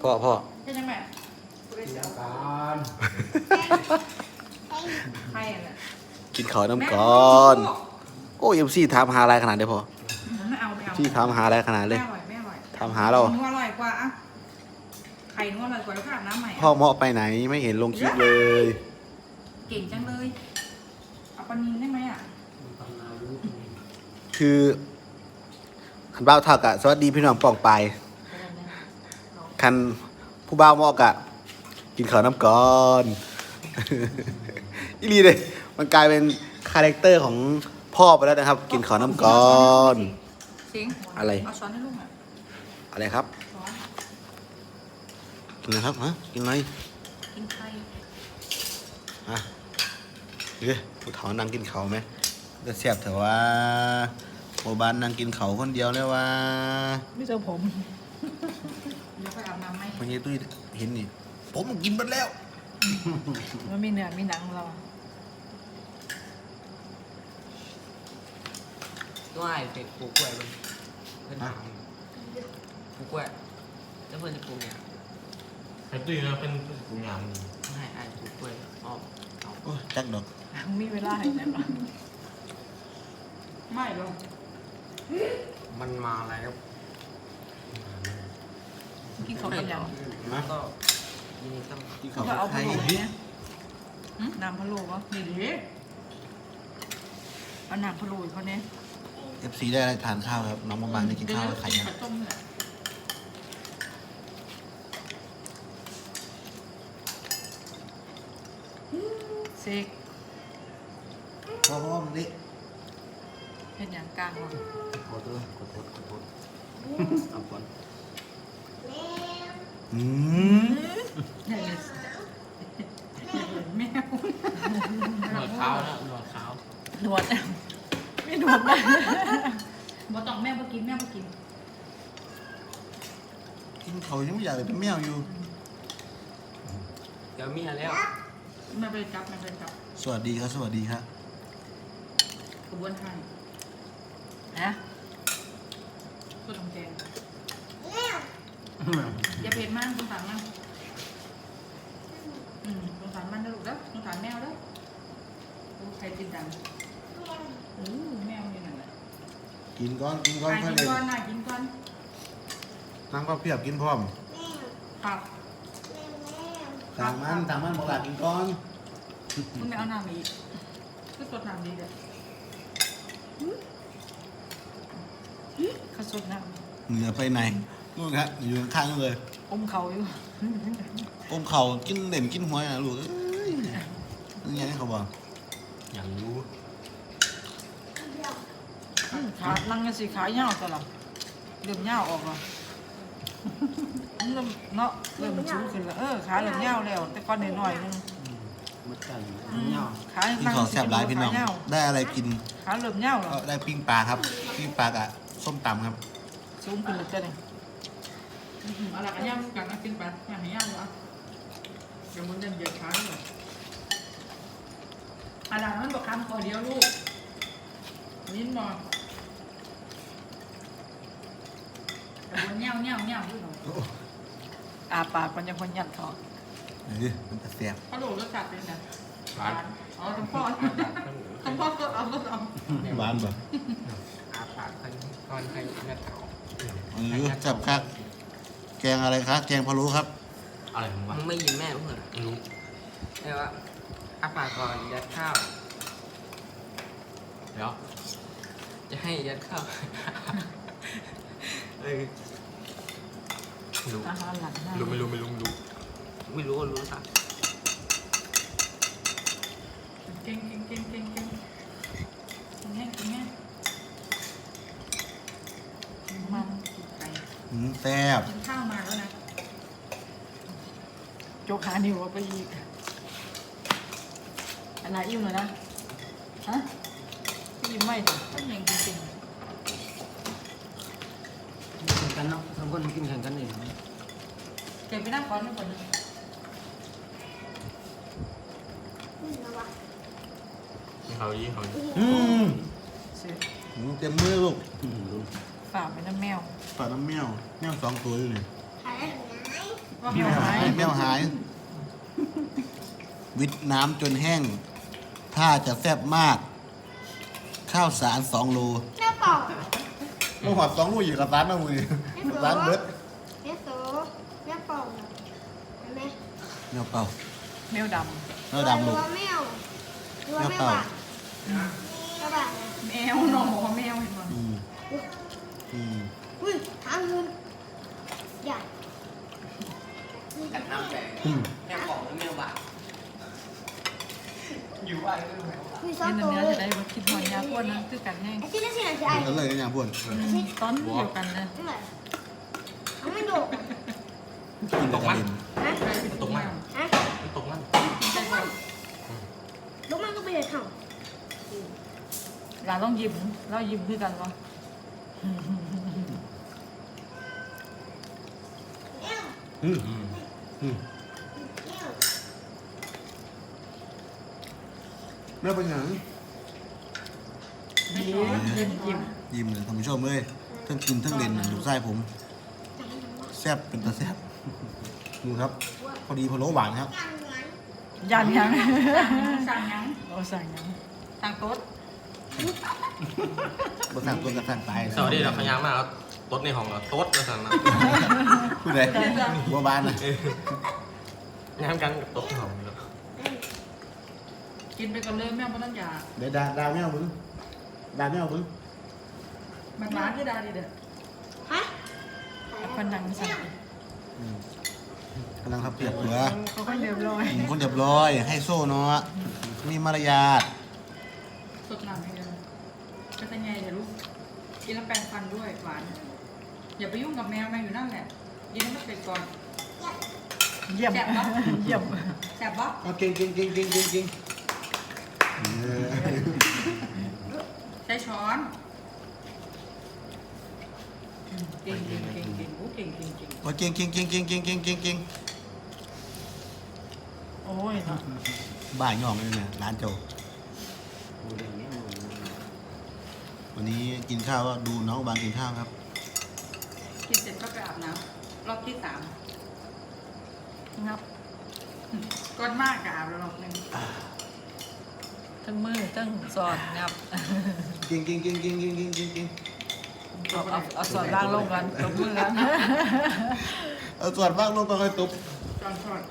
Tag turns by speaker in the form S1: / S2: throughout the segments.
S1: พ่อ
S2: ใช่ยังไง
S3: การ
S2: ใครอ่ะ
S1: กินข้าวน้ำก่อนโอ้ยMCถามหาอะไรขนาดนี้พอ
S2: ไม่เอาไม่เอา
S1: ที่ถามหาอะไรขนาดเลย
S2: ไม่อร่อยไม่อร่อย
S1: ถามหาเรา
S2: นัวอร่อยกว่าอ่ะไข่นัวอร่อยกว่าแล้วก็อาบน้ำใหม่
S1: พ่อเหมาะไปไหนไม่เห็นลงคลิปเลย
S2: เก่งจังเลยเอาปลานิลได้ไหมอ่ะ
S1: คือคันบ้าวเท่ากับสวัสดีพี่น้องป่องไปคันผู้บ่าวเหมาะกะกินข้าวน้ำก่อน อีลีเลยมันกลายเป็นคาแรคเตอร์ของพ่อไปแล้วนะครับ กินข้าวน้ำก่อน
S2: สิง
S1: อะไร
S2: เอาช้อนให้ลูกอ่ะ
S1: อะไรครับ
S2: ช้อน
S1: กินอะไรครับฮะกินอะไร
S2: กินไข่
S1: อ่ะเฮ้ยผู้เฒ่านั่งกินข้าวไหมจะเสียบเถอะว่าโอบานนั่งกินข้าวคนเดียวเลยว่า
S4: ไม่เจอผม
S2: เดี๋ยวไปอาบน้ำไหม
S1: วันนี้ตุ้ยเห็นนี่ผมกินหมดแล้ว
S4: มันมีเนื้อมีหนังเรา
S5: ตัวไอ้เป็ดปลูกกล้วยมันเพื่อนถามปลูกกล้วยแล้วเพื่อนจะปลูกเนี่ย
S3: ไอ้ตุ้ยนะเป็นกูงาม
S5: ให้ไอ้ปลูกกล้วยออกเอา
S1: โอ้ยจักดอก
S4: มีเวลาให้ไหนบ้าง
S2: ไม่หรอก
S5: มันมาแล้ว
S4: กินข้าวกันยัง
S1: นะ
S5: ก็ยินดีต้อนรับ
S1: กินข้าว
S4: ก็เอา
S1: ไข่
S4: พะโล้เนี่ยน้ำพะโล้วะ
S2: นี่ดิ
S4: เอาน้ำพะโล้เขาเนี่ย
S1: FC ได้อะไรทานข้าวครับน้องบางๆได้กินข้าวกับไข่ยัง
S2: ไข่ต้มนี่แหละ
S4: เซก
S1: พ่อมันนี่
S4: เห็นอย่างกลางวะ
S1: ขอโทษเอาก่อนอืม
S4: เห็น
S2: แมว
S5: หนวดขาวนะหนวดขาว
S4: หนวดไม่หนวดนะ
S2: บ่ต้องแม่บ่กินแม่บ่กิน
S1: กินเขายังไม่อยากเลยเป็นแมวอยู่
S5: เดี๋ยวมีแล้ว
S2: แม่ไปจับแม่ไปจับ
S1: สวัสดีครับสวัสดีครับ
S2: กระบวนการ
S4: นะ
S2: ก็ต้องแกงอย่าเผ็ดมากสงสารมันสงสารมันนะลูกเด้อสงสารแมวเด้อดูใครกินดังแมวอยู่นั่นแหละ
S1: กินก้อนกินก้อน
S2: กิ
S1: เพื่อน
S2: น
S1: เลย
S2: ก่อนนะกินก่อน
S1: นั่งก็เพียบกินพร้อม
S2: ครับ
S1: ต่างมันบอกหลากินก้อน
S2: คุณไม่เอาน้ำอีกก็สดน้ำดีเลย
S4: ข้าวสดน้
S1: เหนือไปไหนนู่นครับอยู่ข้างๆนู่นเลย
S4: ำอมเขาอยู่
S1: อมเข่ากินเด่นกินหัวนะลูกเอ้ยนี่ไงเขาบอก
S3: อย่างรู้
S4: ขาลังกันสิขาเหี่ยวตลอดเริ่มเหี่ยวออกแล้วเริ่มเนาะเริ่มสูงขึ้นแล้วขาเริ่มเหี่ยวแล้ว แต่ก่อนหน่อยๆนึง
S5: มันไก่
S4: ขา
S1: กินของแซ่บร้ายพี่น้อง
S4: ขาเหี่ยว
S1: ได้อะไรกิน
S4: ขาเริ่มเหี่ยวแล้ว
S1: ก็ได้ปิ้งปลาครับปิ้งปลากับส้มตำครับ
S4: สูงขึ้นแล้วจ้ะเนี่ย
S2: อะไรกันย่างกันนะกินไปย่างให้ย่างวะเดี๋ยวมันจะเหยียดขาด้วยอะไรมันบอกคำขอเดียวลูกยิ้มหน่อยแต่วันเงี้ยวเงี้ยวเงี้ยวด้วยหน่อย
S4: อาปากมันยังคนยันเขา
S1: มันจะแซ่บ
S2: เขาโดดแล้วจัดเป็นไงหวานอ๋อทั้งพ่อทั้งพ่อก็เอาก็เอา
S1: หวานป่ะ
S5: อาปากคนก้อนไข่เลือดขาว
S1: จับครับแกงอะไรครับแกงพะโล้ครับ
S3: อะไรของวะ
S5: มึงไม่ยินแม่มึงเหรอ
S3: ไม่รู้
S5: เรียกว่าอาปากก่อนยัดข้าว
S3: เดี๋ยว
S5: จะให้ยัดข้าว เออ
S3: ไม่รู้
S4: อาหารหลังหน้า
S3: ไม่รู้
S5: ไม่รู้ก็รู้สัก
S2: เก่งกินแห้งกินแห้ง
S4: มัน
S2: กินไก่
S1: แซ่บ
S2: กินข้าวมาแล้วนะ
S4: โจกหานิ้วเอาไปอีกอะไรอิ่มเลยนะฮะอิ่มไม่ดิ
S2: ก็ยังจริง
S5: แข่งกันเนาะทั้งคนกินแข่งกันเอง
S2: ๆเก็บไปนั่งก่อนนั่งก่อนนะ
S3: เขายี่เขายี่
S4: เสร็จ
S1: เต็มมือลูก
S4: ฝากไปน้ำแมว
S1: ปลาน้ำแมว2 ตัวอยู่นี่
S4: แมวหาย
S1: แมวหาย วิทน้ำจนแห้ง ถ้าจะแซ่บมาก ข้าวสาร2 โล
S6: แม่เป่า
S1: โอ้หอด2 โลอยู่กับร้านนะมึงร้านเบิร์ด
S6: แม่โสแม่เป่าเห็นไหม
S1: แมวเป่า
S4: แมวด
S1: แมวดำ
S6: ห
S1: ลู
S6: รื
S1: ก
S6: อว่าแมวหรือว่าแม่
S1: แมวเป่า
S6: บาดแม่บาดนะ
S2: แมวน้องบอกว่าแมวเห็นมั้ย
S1: อืมอืม
S6: อุ้ยหางเงินใหญ่
S5: กันน้ำแดง
S1: อืม
S5: แม่ของแล้วแมวบาดอยู่ว่าเรื่องแมวบาด
S6: มี
S4: ำ
S6: ซอส
S4: เห็น
S6: ตัว
S4: เนื้อ
S6: เล
S4: จะ
S6: ย
S4: ได้มาคิดหอยยาพวกนั้นคือกันแห้ง
S6: ไอ้ที่นั่นสิไหนสิไอ้
S1: กันเลยกันอย่างพวน
S4: ตอนเดียวกันเลย
S6: นี่แหละมันไม่โดด
S1: กินแต่กระเด็น
S6: ฮะ
S3: ตกมัน
S6: ฮะ
S3: ตกมัน
S2: กินใจก่อน
S6: ลูกมันก็ไปเลยเห่า
S4: หลานต้องยิ้มเรายิ้มคือกันวะ
S1: อืม
S3: อืม
S1: อืมแม่เป็นหยัง
S4: ยิ้ม
S1: ยิ้มเลยท่านผู้ชมเลยทั้งกินทั้งเล่นนะลูกไส้ผม แซ่บเป็นตาแซ่บดูครับ พอดีพะโล้หวานครับ
S4: ยันยัง
S2: สั่งยัง
S4: โอ้สั่งยัง
S2: สั่งโต๊ด
S1: บนสั่งตัวกระสั่งตายนะ
S3: สวัสดีเราขยันมากครับต๊ดในห้องเราต๊ดแล้วสั่งนะ
S1: พูดเลยบัวบานนะ
S3: งานกันกับต๊ดในห้องนี่แล้ว
S2: กินไปก่อนเลยแม่ไม่ต้องอยาก
S1: เดี๋ยวดาวแมวมึงดาวแมวมึง
S2: มันร้านที่ดาดีเด้อ
S6: ฮะ
S4: คนดังสั่ง
S1: อืมกำลังทับเปียกเหลือ
S4: เขาก็เรียบร้อย
S1: คนเรียบร้อย ให้โซ่เนาะมีมารยาท
S2: สดน้ำให้เลยก็จะไงเดี๋ยวลูกกินแล้วแปรงฟันด้วยหวานอย่าไปยุ่งกับแมวแมวอยู่นั่นแหละกินให้มันเสร็จก่อน
S4: เยี่ยมเยี่ยม
S2: แซ่บปะ
S1: เอาเก่งเก่งเก่งเก่งเก่งเก่งเออ
S2: ใช้ช้อน เก่งเก่งเก่งเก่งโอ้เก่งเก่งเก่ง
S1: โอ้ยเก่งเก่งเก่งเก่งเก่งเก่งเก่งเก่ง
S4: โอ้ยเนาะ
S1: บ้าย่องเลยเนี่ยร้านโจวันนี้กินข้าวก็ดูน้องบางกินข้าวครับ
S2: กินเสร็จก็ไปอาบน้ำรอบที่ 3
S4: งับ
S2: ก้อนมากกับอาบแล้วรอบหนึง
S4: ทั้งมือทั้งสอดงับ
S1: เก่งเก่งเก่งเก่งเก่งเก่งเก่งเก่ง
S4: เอาสอดล่างลงกันตบมือกัน
S1: เอาส่วนบ้างลงก็ค่อยตุบ
S2: ช้อนช้อน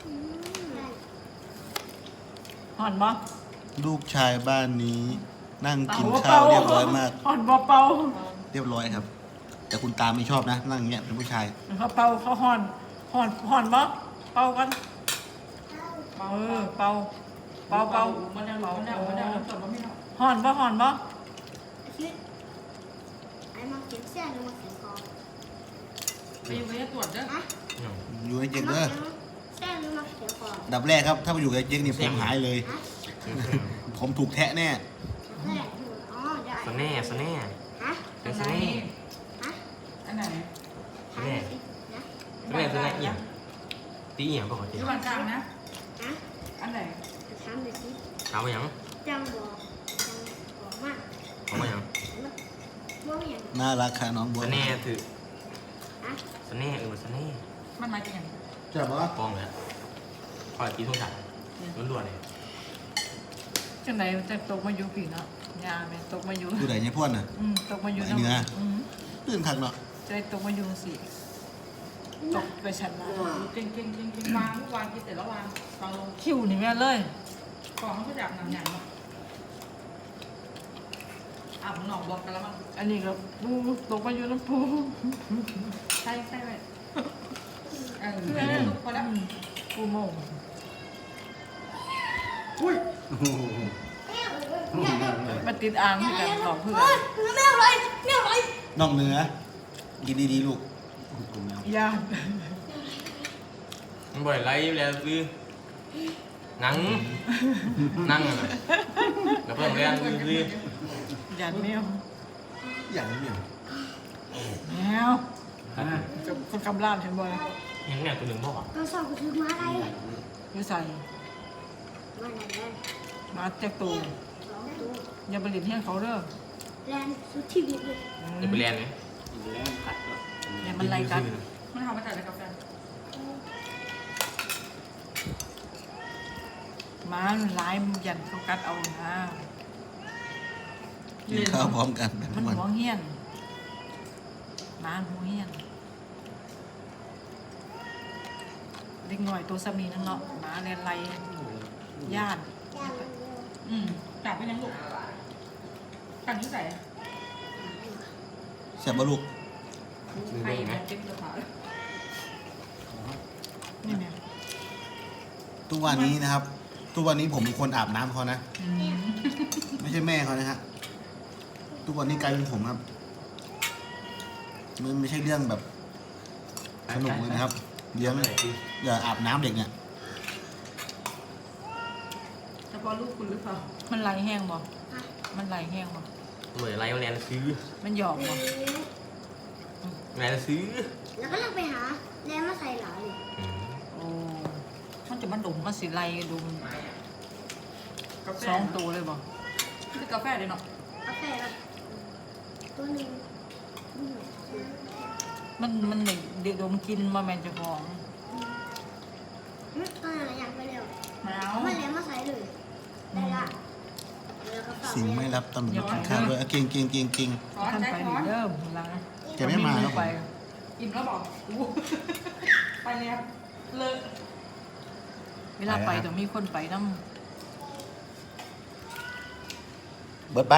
S4: ห่อนบ่
S1: ลูกชายบ้านนี้ นั่งกินข้าวเรียบร้อยมาก
S4: ห่อนบ่เป่า
S1: เรียบร้อยครับ แต่คุณตาไม่ชอบนะ นั่งอย่างเงี้ยเป็นผู้ชาย
S4: เขาเป่าเขาห่อนห่อนบ่เป่ากันเป่าเป่า
S2: มาแล้วมาแล้วมาแล้วจบแล้วไม่เอา
S4: ห่อนบ่ห่อนบ่
S6: คิดไอ้มาเก็บเสื้อหรือมาเก็บคอ
S2: ไปอยู่ไปตรวจเด้อ
S6: ฮะ
S1: อยู่ให้เจ๊งเด้อ
S6: เสื้อหรือมาเก็บคอ
S1: อันดับแรกครับ ถ้าไปอยู่กับเจ๊งนี่ผมหายเลย
S6: ฮะ
S1: ผมถูกแทะแน่
S6: เสื้ออ๋อได้
S3: สแน่สแน่
S6: ฮะ
S3: เป็นส
S2: อันไหน
S3: แน่
S6: ฮะ
S2: อันไหน
S6: ฮะนะ
S3: สแน่สแน่เอี่ยงตีเอี่ยงปกติ
S2: ที่วันกลางนะ
S6: ฮะ
S2: อันไหน
S6: จะทำเลยสิ
S3: ถามว่าหยัง
S6: จังบอกมาก
S3: ถามว่าหยัง
S6: บอกอย่าง
S1: น่ารักค่ะน้องบัว
S3: สแน่ถือ
S6: ฮะ
S3: สแน่สแน่
S2: มันมาจากไหน
S1: จับวะ
S3: กองเลยคอยตีทุ่งจักล้วนๆเลย
S4: จังไหนจะตกมาอยู่ผีเนาะยาแม่ตกมาอยู่
S1: อยู่ไหนเนี่ยพ่วนน่ะ
S4: ตกมาอยู่
S1: ไอ้เนื้อ
S4: ม
S1: ตื่นคักเนาะ
S4: จะได้ตกมาอยู่สิตกไปชั้นละ
S2: เก่งเก่งเก่งเก่งวางวางกินเสร็จแล้ววางวางลง
S4: คิวนี่แม่เลย
S2: กล่องเขาก็จับหนังใหญ่เนาะอาบหนองบอกกันแล้วมั้ง
S4: อันนี้ก็ปูตกมาอยู่น้ำปู
S2: ใช่ใช่ไหมพอแล้ว
S4: ปูโมง มาติดอ่างเหมือนกันบอกเพื่อน
S6: ไม่เอาเลยไม่เอาเลย
S1: น้องเนื้อกินดีๆลูก
S4: ยา
S3: มันบ่อยไล่แล้วคือนั่งนั่งแล้วเพิ่งเรียนคือ
S4: หยาดแมว
S1: อย่างนี้เนี่ย
S4: แมวกับคนกำลาบเห็นบ่อย
S3: ยังเนี่ยตัวหนึ่งพ่อ
S6: เราสอบก็คือมาอะไร
S4: อยู่ใส่
S6: มาไหนแลน
S4: มาแจกตู
S6: สองตัว
S4: อย่าไปหลินเที่ยงเขาเด้อ
S6: แลนสุดชีวิตเลย
S3: จะไปเรียนไหม
S4: อย่ามันไล่กัน
S2: มันทำมาจากอะไรกาแฟ
S6: เ
S4: หมามันร้ายมันยันเขากัดเอานะ
S1: กินข้าวพร้อมกัน
S4: มัน
S1: ทุกวัน
S4: หัวเหี้ยนหมาหัวเหี้ยนเด็กหน่อยตัวสามีนั่นเนาะหมาเรียนไรญาติ
S2: จับไปยังลูกกันที่ใส่
S1: แซ่บบ่ลูก
S2: ใครมันเจ็บกระเพาะ
S4: นี่เนี่ย
S1: ทุกวันนี้นะครับ ทุกวันนี้ผมเป็นคนอาบน้ำเขานะ ไม่ใช่แม่เขานะฮะ ทุกวันนี้กลายเป็นผมครับ มันไม่ใช่เรื่องแบบสนุกเลยนะครับเลี้ยงอย่าอาบน้ำเด็กเนี่ย
S2: เฉพาะลูกคุณหรือเปล่า
S4: มันไหลแห้งบ่มันไหลแห้งบ่
S3: เหมือนไรมาแลนซื้อ
S4: มันหยอกบ่
S3: แลนซื้อ
S6: แล้วก็ลองไปหาแล้วมาใส่หลายเลย
S4: โอ้มันจะมันดุมมันสิไหลดุม
S2: กาแฟ
S4: สองตัวเลยบ่
S2: คือกาแฟเลยเนาะ
S6: กาแฟแบบตัวหนึง
S4: มันเด็กดมกินมาแมนเจะของ
S6: ตอนนั้นอยากไปเร็ว
S2: มะนาว
S6: มาแล้วมาใส่เลยได้ละแล้วก็ฝาก
S1: สิ่งไม่รับตำรวจกินข้าวด้วยเก่งเก่งเก่งเก่ง
S2: ช้อน
S4: ท่าน
S2: ใช้
S4: ไป
S2: ช้อน
S4: เริ่มหลัง
S1: แกไม่มาแล้ว
S4: ไป
S2: อิ่มแล้วบอกอู้ไปแล้วเลิก
S4: เวลาไปต้องมีคนไปน้
S1: เบิร์ดไป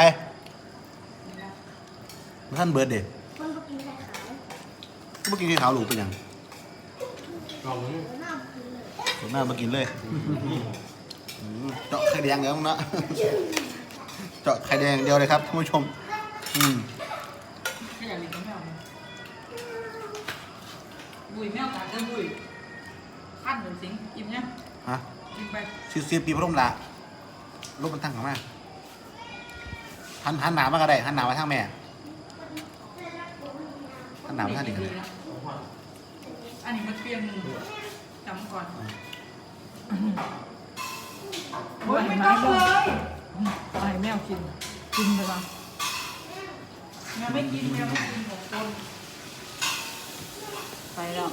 S1: ท่านเบิร์ดเด็ก
S6: คนก็กินไข่ขาว
S1: เมื่อกี้ขาวหลูกเป็นยัง
S3: ลองมึง
S6: หน้ากินเลย
S1: ผมหน้ามากินเลยเจาะไข่แดงเดี๋ยวนะ เจาะไข่แดงเดียวเลยครับท่านผู้ชม
S2: ไม่อยากเลี้ยงแมวบุยแมวตาเดินบุยขั้นเหมือนสิงอิ่มเนี่ย
S1: ฮะ
S2: กินไป
S1: ซีปีพร่มละรูปมันตั้งของแม่หันหนามากก็ได้หันหนามาทางแม่หันหนามาทางเด็กก็ได้
S2: อันนี้มันเปลี่ยนจำก่อน
S4: ำ
S2: โอ้ยไม่ต้องเลย
S4: ไปแมวกินไปละ
S2: แมวไม่กินแมวไม่กิน6 คน
S4: ไปแล้ว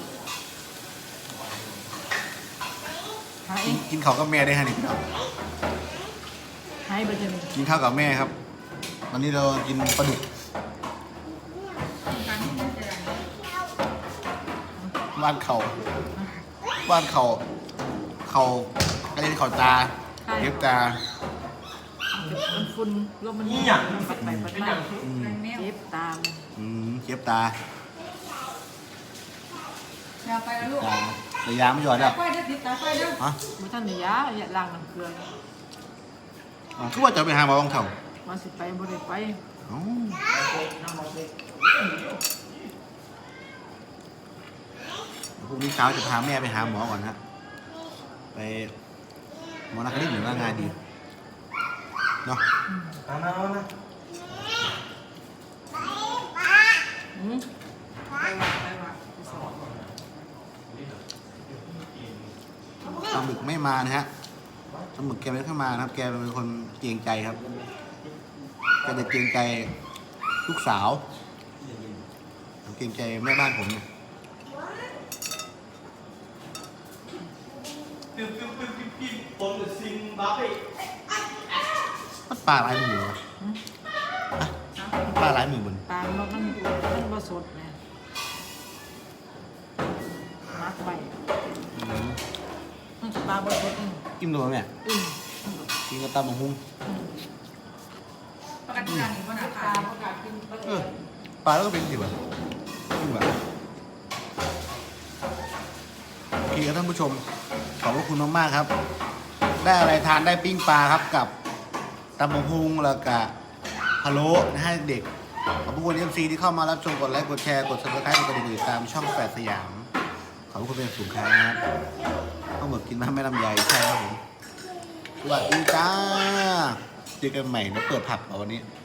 S4: หาย
S1: กินข้าวกับแม่ได้ฮะนี่ครับ
S4: หายไปจะมี
S1: กินข้าวกับแม่ครับ วันนี้เรากินปลาดุก
S2: การที่มันจะ
S1: บ้านเขาอะไรที่เขาตาเก็บตา
S4: มันฝุ่นลมมันปัดไปปัดมา
S2: แมว
S4: เจ็บตาม
S1: เก็บตา
S2: แมวไปแล้วลูก
S1: ตาระยะไม่หยอดแล้ว
S2: ไฟเด้อติดตาไฟเด้อ
S1: ฮะ
S4: มันท่านนี่ยาอย่าล้างน้ำเกลือ
S1: คือว่าจะไปหาหมอบางเถ่า
S4: มาสิไปบ่ได้ไป
S1: อ๋อพรุ่งนี้เช้าจะพาแม่ไปหาหมอก่อนฮะไปหมอนักเรียนหรือว่างานดีเนาะ
S4: อืม
S2: ไปว่ะ
S1: ปลาหมึกไม่มานะฮะปลาหมึกแกไม่เข้ามานะครับ แกเป็นคนเกรงใจครับแกจะเกรงใจลูกสาวเกรงใจแม่บ้านผมเนี่ยมันปลาลายมือวะอะมันปลาลายมือบน
S4: ตามมันบ่สดแม่มักไปมันปลาบ่สด
S1: กินดูไหม
S4: อืม
S1: กินกับตำบักหุ่ง
S2: ประกันการหนึ่งวันอา
S4: ป
S2: คา
S4: ลาร ประกาศกินปลา
S1: เออปลาแล้วก็เป็นสิบอ่ะกินแบบโอเคครับท่านผู้ชม ขอบพระคุณมากๆครับ ได้อะไรทานได้ปิ้งปลาครับกับตำบักหุ่งแล้วก็พะโล้นะฮะเด็กขอบพระคุณ MC ที่เข้ามารับชมกดไลค์กดแชร์กด subscribe กดกระดิ่งติดตามช่องแฝดสยามขอบพระคุณเป็นอย่างสูงครับต้องหมดกินมาไม่ลำไยใช่ครับผมสวัสดีจ้าเจอกันใหม่แล้วเปิดผับเอาวันนี้